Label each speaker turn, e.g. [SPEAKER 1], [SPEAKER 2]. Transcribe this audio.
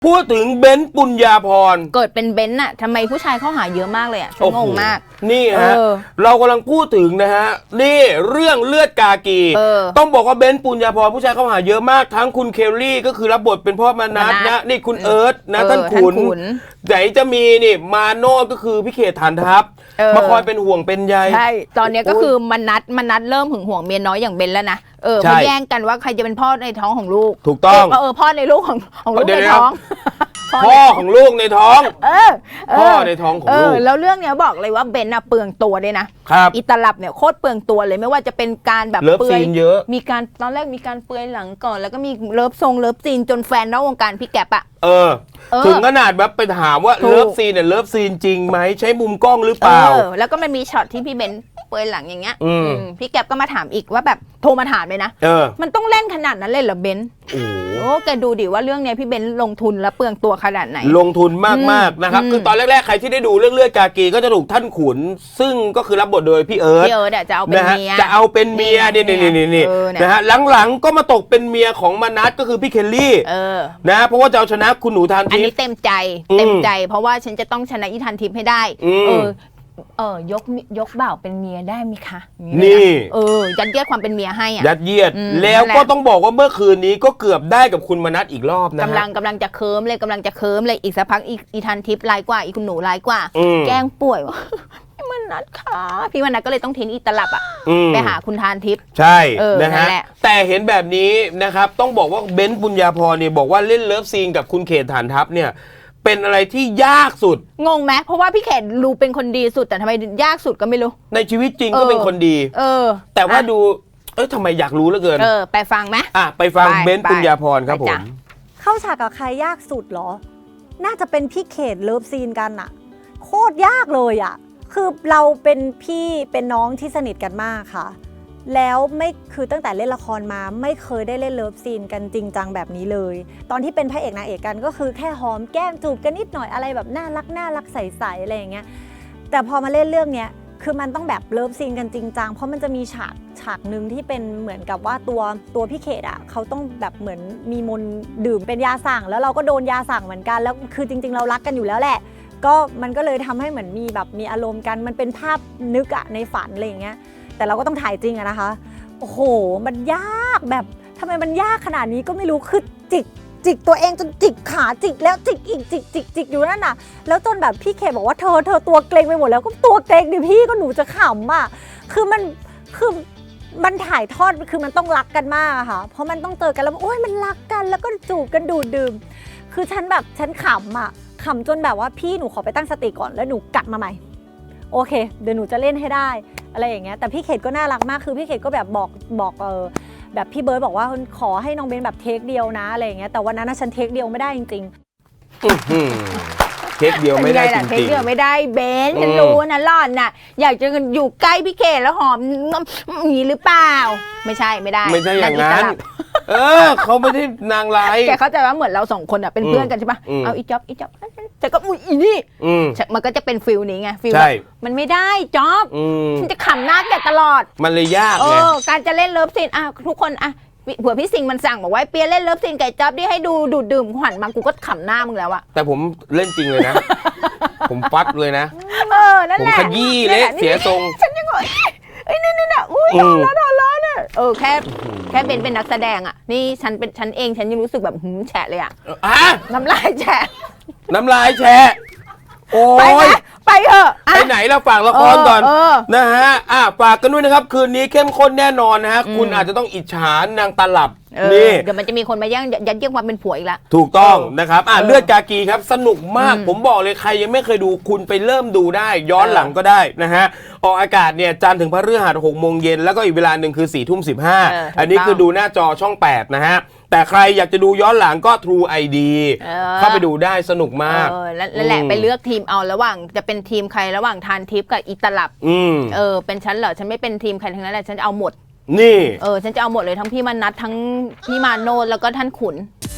[SPEAKER 1] พูดถึงเบนซ์ปุญญาภรณ์
[SPEAKER 2] เกิดเป็นเบนซ์น่ะทำไมผู้ชายเข้าหาเยอะมากเลยอ่ะฉันงงมาก
[SPEAKER 1] นี่ฮะเรากำลังพูดถึงนะฮะนี่เรื่องเลือดกากีต้องบอกว่าเบนซ์ปุญญาภรณ์ผู้ชายเข้าหาเยอะมากทั้งคุณเคลลี่ก็คือรับบทเป็นพ่อมานัทนะนี่คุณเอิร์ธนะท่านขุนไหนจะมีนี่มาโนดก็คือพี่เขตฐานทัพมาคอยเป็นห่วงเป็นใย
[SPEAKER 2] ใช่ตอนนี้ก็คือมานัดเริ่มหึงห่วงเมียน้อยอย่างเบนแล้วนะมาแย่งกันว่าใครจะเป็นพ่อในท้องของลูก
[SPEAKER 1] ถูกต้อง
[SPEAKER 2] พ่อในลูกของลูกในท้อง
[SPEAKER 1] พ่อของลูกในท้องพ่อในท้องของลูก
[SPEAKER 2] แล้วเรื่องเนี้ยบอกเลยว่าเบนน่ะเปลืองตัวด้วยนะครับอิตาลับเนี่ยโคตรเปลืองตัวเลยไม่ว่าจะเป็นการแบบ
[SPEAKER 1] เปื่อยเยอะ
[SPEAKER 2] มีการตอนแรกมีการเปลือยหลังก่อนแล้วก็มีเลิฟซีนจนแฟนนอกวงการพี่แก๊ปอะ
[SPEAKER 1] ถึงขนาดแบบไปถามว่าเลิฟซีนเนี่ยเลิฟซีนจริงไหมใช้มุมกล้องหรือเปล่า
[SPEAKER 2] แล้วก็มันมีช็อตที่พี่เบนเปลือยหลังอย่างเงี้ยพี่แก๊ปก็มาถามอีกว่าแบบโทรมาถามเลยนะมันต้องเล่นขนาดนั้นเลยเหรอเบนโอ้แกดูดิว่าเรื่องนี้พี่เบนลงทุนและเปลืองตัวขนาดไหน
[SPEAKER 1] ลงทุนมากๆนะครับคือตอนแรกๆใครที่ได้ดูเรื่องเลือดกากีก็จะถูกท่านขุนซึ่งก็คือรับบทโดยพี่เอิร์ธ
[SPEAKER 2] จะเอาเป็นเมีย
[SPEAKER 1] นี่นะฮะหลังๆก็มาตกเป็นเมียของมานัทก็คือพี่เคลลี่นะเพราะว่าจะเอาชนะคุณหนูทานทิพย์
[SPEAKER 2] อันนี้เต็มใจเพราะว่าฉันจะต้องชนะอีทานทิพย์ให้ได้ยกบ่าวเป็นเมียได้ไหมคะ
[SPEAKER 1] นี่
[SPEAKER 2] ยัดเยียดความเป็นเมียให้อ่ะ
[SPEAKER 1] ยัดเยียดแล้วก็ต้องบอกว่าเมื่อคืนนี้ก็เกือบได้กับคุณมนัสอีกรอบนะ
[SPEAKER 2] กำลังจะเคิร์มเลยอีกสักพักอีทันทิพย์ร้ายกว่าอีคุณหนูร้ายกว่าแกล้งป่วยวะพี่มนัสค่ะพี่มนัสก็เลยต้องทิ้งอีตลับอ่ะไปหาคุณทานทิพย์
[SPEAKER 1] ใช่นะฮะแต่เห็นแบบนี้นะครับต้องบอกว่าเบนซ์ปุญญาภรณ์เนี่ยบอกว่าเล่นเลิฟซีนกับคุณเขตฐานทัพเนี่ยเป็นอะไรที่ยากสุด
[SPEAKER 2] งงไหมเพราะว่าพี่เขตดูเป็นคนดีสุดแต่ทำไมยากสุดก็ไม่รู้
[SPEAKER 1] ในชีวิตจริงก็เป็นคนดีแต่ว่าดูทำไมอยากรู้เหลือเกิน
[SPEAKER 2] ไปฟังไหม
[SPEAKER 1] ไปฟังเบนซ์ปุญญาภรณ์ครับผม
[SPEAKER 3] เข้าฉากกับใครยากสุดเหรอน่าจะเป็นพี่เขตเลิฟซีนกันอะโคตรยากเลยอะคือเราเป็นพี่เป็นน้องที่สนิทกันมากค่ะแล้วไม่คือตั้งแต่เล่นละครมาไม่เคยได้เล่นเลิฟซีนกันจริงจังแบบนี้เลยตอนที่เป็นพระเอกนางเอกกันก็คือแค่หอมแก้มจูบกันนิดหน่อยอะไรแบบน่ารักใสๆอะไรอย่างเงี้ยแต่พอมาเล่นเรื่องเนี้ยคือมันต้องแบบเลิฟซีนกันจริงจังเพราะมันจะมีฉากหนึ่งที่เป็นเหมือนกับว่าตัวพี่เขตอ่ะเขาต้องแบบเหมือนมีมนดื่มเป็นยาสั่งแล้วเราก็โดนยาสั่งเหมือนกันแล้วคือจริงๆเรารักกันอยู่แล้วแหละก็มันก็เลยทำให้เหมือนมีแบบมีอารมณ์กันมันเป็นภาพนึกอะในฝันอะไรอย่างเงี้ยแต่เราก็ต้องถ่ายจริงอะนะคะโอ้โหมันยากแบบทำไมมันยากขนาดนี้ก็ไม่รู้คือจิกตัวเองจนจิกขาจิกแล้วจิกอีกจิกอยู่นั่นน่ะแล้วจนแบบพี่เคบอกว่าเธอตัวเกรงไปหมดแล้วก็ตัวเกรงดิพี่ก็หนูจะขำอ่ะคือมันถ่ายทอดคือมันต้องรักกันมากอะค่ะเพราะมันต้องเจอกันแล้วโอ้ยมันรักกันแล้วก็จูบกันดูดดื่มคือฉันขำอ่ะขำจนแบบว่าพี่หนูขอไปตั้งสติก่อนแล้วหนูกลับมาใหม่โอเคเดี๋ยวหนูจะเล่นให้ได้อะไรอย่างเงี้ยแต่พี่เขตก็น่ารักมากคือพี่เขตก็แบบบอกแบบพี่เบิร์ดบอกว่าขอให้น้องเบนแบบเทคเดียวนะอะไรอย่างเงี้ยแต่วันนั้นฉันเทคเดียวไม่ได้จริง
[SPEAKER 1] เทคเดียวไม่ได้จริง
[SPEAKER 2] เทคเดียวไม่ได้เบนฉันรู้นะหล่อนน่ะอยากจะอยู่ใกล้พี่เขตแล้วหอมอย่างนี้หรือเปล่าไม่ใช่
[SPEAKER 1] อย่างนั้นเขาไม่ได้นางร้าย
[SPEAKER 2] แกเข้าใจว่าเหมือนเราสองคนอ่ะเป็นเพื่อนกันใช่ปะเอาอีจ๊อบแต่ก็อีนี่มันก็จะเป็นฟิลนี้ไงฟิลมันไม่ได้จ๊อบฉันจะขำหน้าแกตลอด
[SPEAKER 1] มันเลยยากไง
[SPEAKER 2] การจะเล่นเลิฟซีนทุกคนเผื่อพี่สิงห์มันสั่งบอกว่าเปียเล่นเลิฟซีนไก่จ๊อบดิให้ดูดูดดื่มขวัญมากูก็ขำหน้ามึงแล้วอะ
[SPEAKER 1] แต่ผมเล่นจริงเลยนะผมฟัดเลยนะ
[SPEAKER 2] นั่นแหละ
[SPEAKER 1] ผมขยี้เละเสียทรง
[SPEAKER 2] ฉันยังไงนี่อุ้ยโดนแล้วเนี่ยแค่เป็นนักแสดงอ่ะนี่ฉันเองฉันยังรู้สึกแบบแฉะเลยอ่ะน้ำลายแฉะ
[SPEAKER 1] โอ้ย
[SPEAKER 2] ไปเถอะ
[SPEAKER 1] ไปไหนเราฝากละครก่อนนะฮะฝากกันด้วยนะครับคืนนี้เข้มข้นแน่นอนนะฮะคุณอาจจะต้องอิจฉานางตลับ
[SPEAKER 2] นี่เดี๋ยวมันจะมีคนมายัดเยียดความเป็นผัวอีกละ
[SPEAKER 1] ถูกต้องนะครับเลือดกากีครับสนุกมากผมบอกเลยใครยังไม่เคยดูคุณไปเริ่มดูได้ย้อนหลังก็ได้นะฮะออกอากาศเนี่ยจันทร์ถึงพฤหัส 6 โมงเย็นแล้วก็อีกเวลาหนึ่งคือ 4:15 อันนี้คือดูหน้าจอช่อง 8 นะฮะแต่ใครอยากจะดูย้อนหลังก็ True ID เข้าไปดูได้สนุกมาก
[SPEAKER 2] แล้วแหละไปเลือกทีมเอาระหว่างจะเป็นทีมใครระหว่างทานทิพย์กับอิตลับเป็นฉันเหรอฉันไม่เป็นทีมใครทั้งนั้นแหละฉันจะเอาหมด
[SPEAKER 1] นี่
[SPEAKER 2] ฉันจะเอาหมดเลยทั้งพี่มนัสทั้งพี่มาโนดแล้วก็ท่านขุน